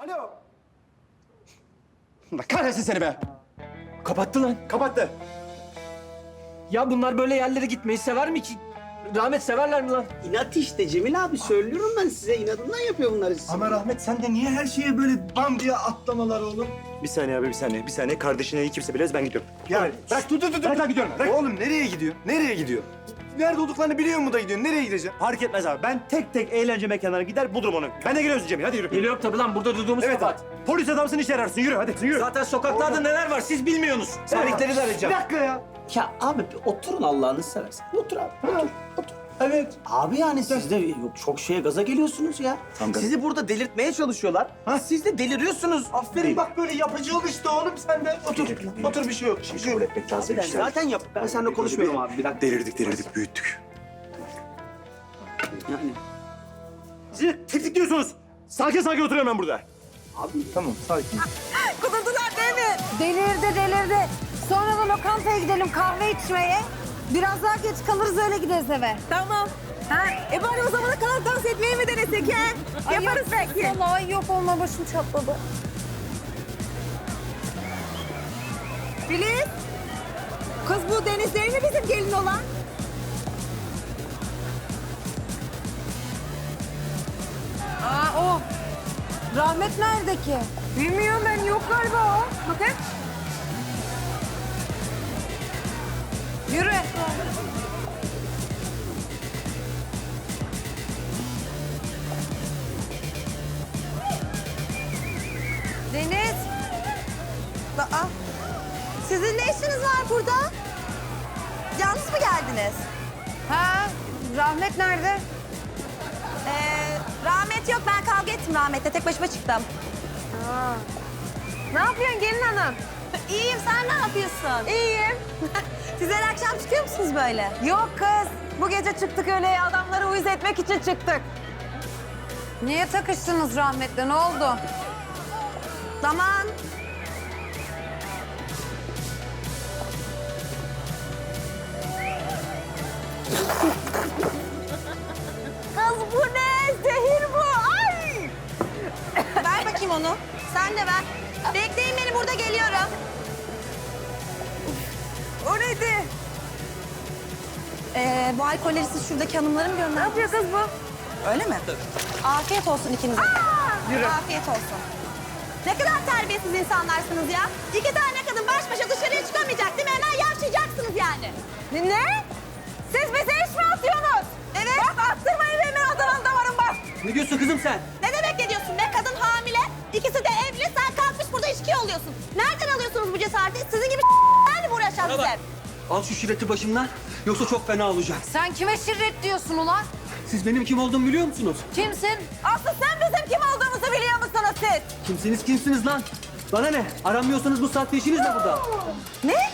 Alo. Allah kahretsin seni be. Kapattı lan. Kapattı. Ya bunlar böyle yerlere gitmeyi sever mi ki? Rahmet severler mi lan? İnat işte Cemil abi, söylüyorum ben size, inadından yapıyor bunları size. Ama Rahmet sen de niye her şeye böyle bam diye atlamalar oğlum? Bir saniye abi, bir saniye. Bir saniye. Kardeşine iyi kimse bilmez, ben gidiyorum. Yani Bırak dur. Ben gidiyorum. Bırak. oğlum nereye gidiyor? Nereye gidiyor? Nerede olduklarını biliyor mu da gidiyor? Nereye gidecek? Fark etmez abi. Ben tek tek eğlence mekanlarına gider bulurum onu. Ben de geliyorsun Cemil. Hadi yürü. Geliyorum tabii lan. Burada durduğumuz Evet kapat. abi. Polis adamsın, işe yararsın. Yürü hadi. Yürü. Zaten sokaklarda neler var siz bilmiyorsunuz. Sevdikleri de arayacağım. Bir dakika ya. Ya abi bir oturun Allah'ını seversen. Otur abi, otur. Evet. Abi yani siz de yok, çok şeye gaza geliyorsunuz ya. Sizi burada delirtmeye çalışıyorlar. Siz de deliriyorsunuz. Aferin bak böyle yapıcı ol işte oğlum sen de. Otur. Otur bir şey yok. Bir şey yok. etmek lazım. Ben zaten yap. Ben seninle konuşmuyorum abi, bir dakika. Delirdik, büyüttük. Yani Siz tetikliyorsunuz. Sakin oturuyorum ben burada. Tamam sakin. Kudurdular değil mi? Delirdi. Sonra da lokantaya gidelim kahve içmeye. Biraz daha geç kalırız öyle gideriz eve. Tamam. Ha, bari o zamana kadar dans etmeyi mi denesek ha? Yaparız belki. Vallahi yok olma başım çatladı. Filiz. Kız bu Deniz değil mi bizim gelin olan? O. Rahmet nerede ki? Bilmiyorum ben, yok galiba o. Bakın. Yürü. Deniz. Aa, sizin ne işiniz var burada? Yalnız mı geldiniz? Ha, Rahmet nerede? Rahmet yok, ben kavga ettim Rahmet'le. Tek başıma çıktım. Ne yapıyorsun gelin hanım? İyiyim, sen ne yapıyorsun? İyiyim. Siz her akşam çıkıyor musunuz böyle? Yok kız. Bu gece çıktık öyle adamları uyuz etmek için çıktık. Niye takıştınız Rahmet'le? Ne oldu? Zaman. Kız bu ne? Zehir bu. Ay! Ver bakayım onu. Sen de ver. Bekleyin beni, burada geliyorum. O neydi? Bu alkolleri siz şuradaki hanımlara mı gönderdiniz? Ne yapıyor kız bu? Öyle mi? Afiyet olsun ikinize. Afiyet olsun. Ne kadar terbiyesiz insanlarsınız ya. İki tane kadın baş başa dışarıya çıkamayacak değil mi? Hemen yavşayacaksınız yani. Ne? Siz bize iş mi atıyorsunuz? Evet. Bak attırmayın benim Adana'nın damarım bak. Ne diyorsun kızım sen? Ne demek ne diyorsun be? Kadın hamile. İkisi de evli. Sen kalkmış burada içki oluyorsun. Nereden alıyorsunuz bu cesareti? Sizin gibi mi uğraşan Bana bak. bize? Al şu şirreti başımdan. Yoksa çok fena olacak. Sen kime şirret diyorsun ulan? Siz benim kim olduğumu biliyor musunuz? Kimsin? Asıl sen bizim kim olduğumuzu biliyor musunuz siz? Kimsiniz lan? Bana ne? Aramıyorsanız bu saatte işiniz ne burada? Ne?